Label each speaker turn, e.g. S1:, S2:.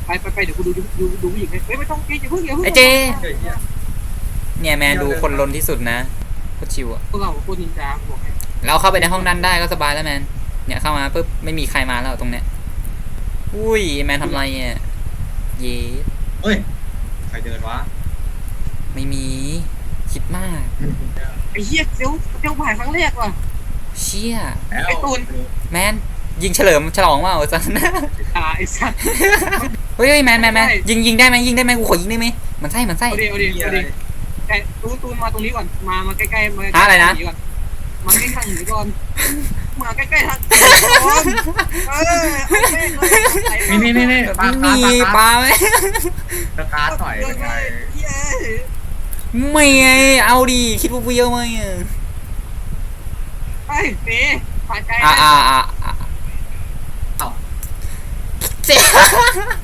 S1: ไปเดี๋ยวกูดูผู้หญิงให้ไม่ต้องอย่าเพิ่ง
S2: ไอเจเนี่ยแมนดูคนลนที่สุดนะโคตรชิวอะ
S1: พวกเราพวกนินจาบอกให้
S2: เราเข้าไปในห้องนั้นได้ก็สบายแล้วแมนเนี่ยเข้ามาปุ๊บไม่มีใครมาแล้วตรงเนี้ยอุ้ยแมนทำไรเนี่ยเย้
S3: เฮ้ยใครเดินวะ
S2: ไม่มีคิดมาก
S1: ไอ้เหี้ยเซลผ่านครั้งแรกว่ะ
S2: เชี่ย
S1: ไอ้ตูน
S2: แมนยิงเฉลิมฉลองว่าเอาจัน
S1: ไอ้สัตว์
S2: เฮ้ยแมนยิงได้ไหมกูขอยิงได้ไหมมันไส้
S1: เอาดิแต่ตูนมาตรงนี้ก่อนมาใกล้ๆมามาใกล้ๆทางหนีก่อนมาใกล้ๆทางก่อน
S3: นี่
S2: มีปลาไหม
S3: สตาร์ทหน่อยเป็นไง
S2: ไม่ไงเอาดิคิดว่าเยอะไหมอ่ะ
S1: ไอ้เป๋ผ่านใจ
S2: เจ๊